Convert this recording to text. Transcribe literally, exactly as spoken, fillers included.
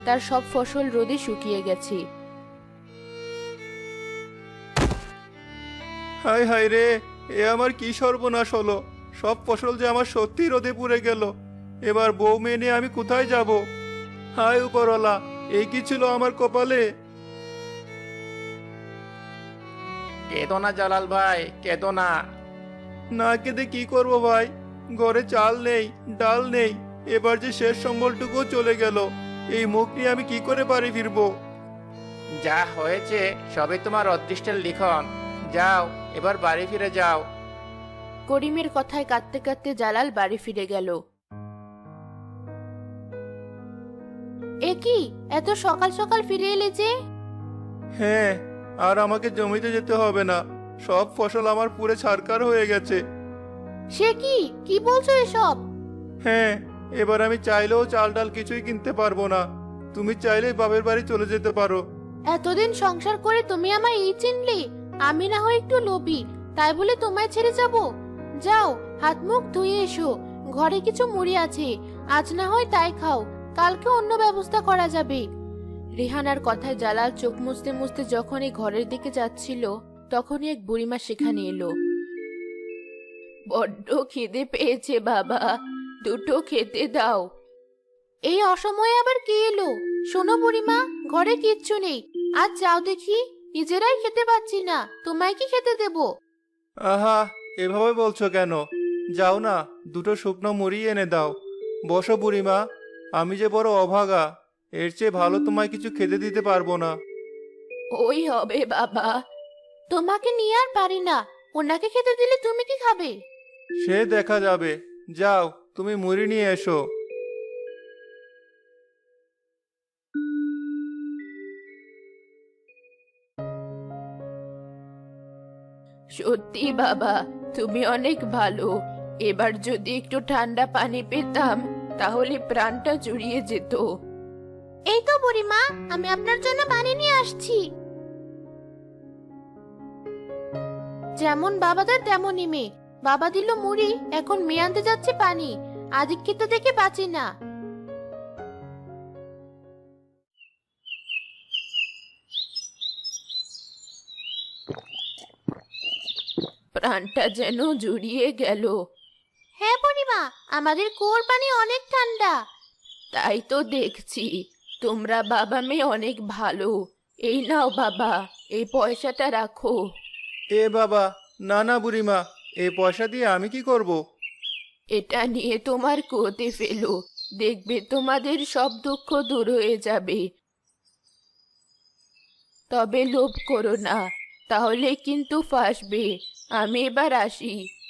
তার সব ফসল রোদে শুকিয়ে গেছে। হায় হায় রে, এ আমার কি সর্বনাশ হলো! সব ফসল যে আমার সত্যি রোদে পুড়ে গেল। এবার বউ মেয়ে নিয়ে আমি কোথায় যাব? হায় উপরওয়ালা, এই কি ছিল আমার কপালে! কেঁদো না জালাল ভাই, কেঁদো না। না কেঁদে কি করব ভাই? ঘরে চাল নেই, ডাল নেই, এবার যে শেষ সম্বলটুকুও চলে গেল। এই মুখ নিয়ে আমি কি করে বাড়ি ফিরবো? যা হয়েছে সবই তোমার অদৃষ্টের লিখন। যাও, এবার বাড়ি ফিরে যাও। করিমের কথায় কাঁদতে কাঁদতে জালাল বাড়ি ফিরে গেল। এ কি, এত সকাল সকাল ফিরে এলে যে? হ্যাঁ, আর আমাকে জমিতে যেতে হবে না। সব ফসল আমার পুরে ছারকার হয়ে গেছে। সে কি, কি বলছো এসব? হ্যাঁ, এবার আমি চাইলেও চাল ডাল কিছুই কিনতে পারবো না। তুমি চাইলেই বাপের বাড়ি চলে যেতে পারো। এতদিন সংসার করে তুমি আমায় এই চিনলে? আমি না হয় একটু লোভী, তাই বলে তোমায় ছেড়ে যাব? যাও, হাত মুখ ধুয়ে এসো। ঘরে কিছু মুড়ি আছে, আজ না হয় তাই খাও, কালকে অন্য ব্যবস্থা করা যাবে। রেহানার কথায় জালাল চোখ মুছতে মুছতে যখনই ঘরের দিকে যাচ্ছিল, তখনই এক বুড়িমা সেখানে এলো। বড্ড খিদে পেয়েছে বাবা, দুটো খেতে দাও। এই অসময়ে আবার কে এলো? শোনো বুড়িমা, ঘরে কিচ্ছু নেই, আজ যাও দেখি। নিজেরাই খেতে পাচ্ছি না, তোমায় কি খেতে দেব? আহা, এভাবে বলছো কেন? যাও না, দুটো শুকনো মুড়ি এনে দাও। বসো বুড়িমা, আমি যে বড় অভাগা, এর চেয়ে ভালো তোমায় কিছু খেতে দিতে পারবো না। ওই হবে বাবা, তোমাকে নিয়ে আর পারি না। ওনাকে খেতে দিলে তুমি কি খাবে? সে দেখা যাবে। যাও, তুমি মুড়ি নিয়ে এসো। সত্যি বাবা, তুমি অনেক ভালো। এবার যদি একটু ঠান্ডা পানি পেতাম, তাহলে প্রাণটা জুড়িয়ে যেত। এই তো বুড়িমা, আমি আপনার জন্য পানি নিয়ে আসছি। যেমন বাবাদের তেমনই মেয়ে। বাবা দিল মুড়ি, এখন মেয়ে আনতে যাচ্ছে পানি। আদিক্ষিত দেখে বাঁচি না। প্রাণটা যেন জুড়িয়ে গেল। হ্যাঁ বুড়িমা, আমাদের কুয়োর পানি অনেক ঠান্ডা। তাই তো দেখছি, তোমরা বাবা মেয়ে অনেক ভালো। এই নাও বাবা, এই পয়সাটা রাখো। এ বাবা, না না বুড়িমা, এই পয়সা দিয়ে আমি কি করব? এটা নিয়ে তোমার কুয়োতে ফেলো, দেখবে তোমাদের সব দুঃখ দূর হয়ে যাবে। তবে লোভ করো না, তাহলে কিন্তু ফাঁসবে। আমি এবার আসি।